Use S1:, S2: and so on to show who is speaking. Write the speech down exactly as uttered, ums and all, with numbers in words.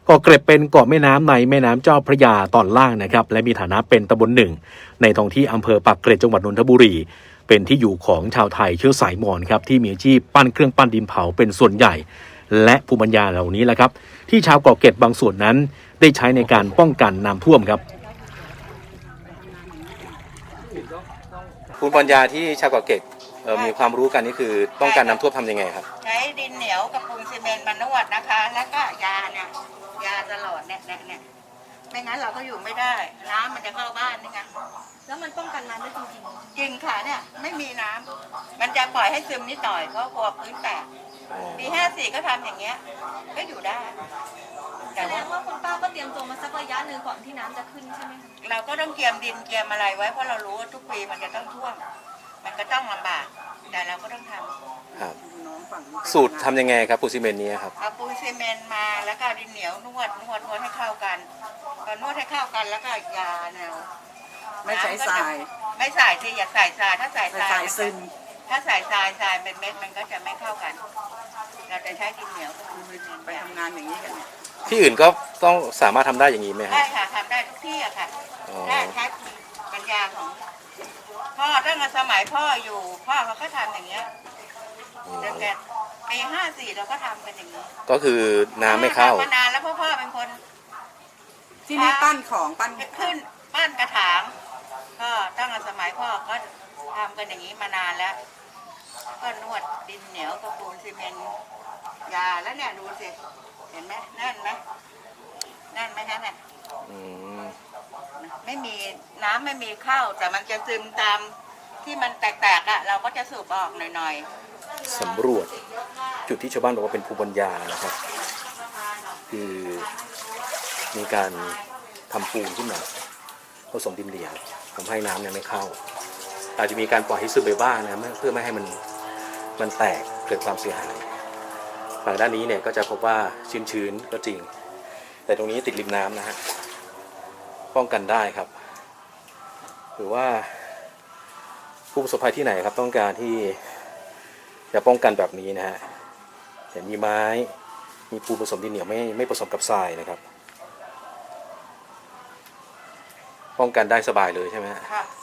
S1: เกาะเกร็ดเป็นเกาะแม่น้ำในแม่น้ำเจ้าพระยาตอนล่างนะครับและมีฐานะเป็นตำบลหนึ่งในท้องที่อำเภอปากเกร็ดจังหวัดนนทบุรีเป็นที่อยู่ของชาวไทยเชื้อสายมอญครับที่มีอาชีพปั้นเครื่องปั้นดินเผาเป็นส่วนใหญ่และภูมิปัญญาเหล่านี้แหละครับที่ชาวเกาะเกร็ดบางส่วนนั้นได้ใช้ในการป้องกันน้ำท่วมครับภูมิปัญญาที่ชาวเกาะเกร็ดมีความรู้กันนี่คือป้องกันน้ำท่วมทำยังไงครับ
S2: ใช้ดินเหนียวกับปูนซีเมนต์มานวดนะคะแล้วก็ยาเนี่ยยาตลอดเนี่ยเนี่ยเนี่ยไม่งั้นเราก็อยู่ไม่ได้น้ำมันจะเข้าบ้านนี่ไง
S3: แล้วมันป้องกันน้ำได้จริง
S2: ๆจริงค่ะเนี่ยไม่มีน้ำมันจะปล่อยให้ซึมนิดหน่อยเพราะกลัวพื้นแตกปีห้าสี่ก็ทำอย่างเงี้ยก็อยู่ได้
S3: แสดงว่าคุณป้าก็เตรียมตัวมาสักระยะหนึ่งก่อนที่น้ำจะขึ้นใช่ไหมคะ
S2: เราก็ต้องเตรียมดินเตรียมอะไรไว้เพราะเรารู้ว่าทุกปีมันจะต้องท่วมมันก็ต้องลำบากแต่เราก็ต้องทำ
S1: ครับสูตรทำยังไงครับปูนซีเมนต์นี้ครับ
S2: เอาปูนซีเมนต์มาแล้วก็ดินเหนียวนวดนวดนวดให้เข้ากันพอนวดให้เข้ากันแล้วก็ยาแนว
S4: ไม่ใช้ทราย
S2: ไม่ใส่สิอย่าใส่ทรายถ้าใส่ทราย
S4: ซึม
S2: ถ้าใส่ทรายทรายเป็นเม็ดมันก็จะไม่เข้ากันเราจะใช้ดินเหนียว
S4: ไปทำงานอย่างนี้กันเนี่ย
S1: ที่อื่นก็ต้องสามารถทำได้อย่างนี้ไหมครับ
S2: ได้ค่ะทำได้ทุกที่อะค่ะแค่ใช้ปัญญาของพ่อตั้งแต่สมัยพ่ออยู่พ่อเขาก็ทำอย่างเงี้ยตั้งแต่ปีห้าสี่เราก็ทำกันอย่างนี้
S1: ก็คือน้ำไม่เข้าม
S2: านานแล้วพ่อพ่อเป็นคน
S4: ที่นี่ปั้นของปั้น
S2: ขึ้นปั้นกระถางก็ตั้งแต่สมัยพ่อก็ทำกันอย่างนี้มานานแล้วก็นวดดินเหนียวกับปูนซีเมนต์ยาแล้วเนี่ยดูสิเห็นไหมแน่นไหมแน่นไหมฮะเนี่ยไม่มีน้ำไม่มีเข้าแต่มันจะซึมตามที่มันแตกๆอ่ะเราก็จะสูบออกหน่อย
S1: ๆสำรวจจุดที่ชาวบ้านบอกว่าเป็นภูมิปัญญานะครับคือมีการทำปูนขึ้นมาผสมดินเหนียวทำให้น้ำเนี่ยไม่เข้าอาจจะมีการปล่อยให้ซึมไปบ้างนะเพื่อไม่ให้มันมันแตกเกิดความเสียหายฝั่งด้านนี้เนี่ยก็จะพบว่าชื้นๆก็จริงแต่ตรงนี้ติดริมน้ำนะฮะป้องกันได้ครับหรือว่าผู้ประสบภัยที่ไหนครับต้องการที่จะป้องกันแบบนี้นะฮะเห็นมีไม้มีปูนผสมดินเหนียวไม่ไม่ผสมกับทรายนะครับป้องกันได้สบายเลยใช่ไหมฮะ
S2: ค่ะ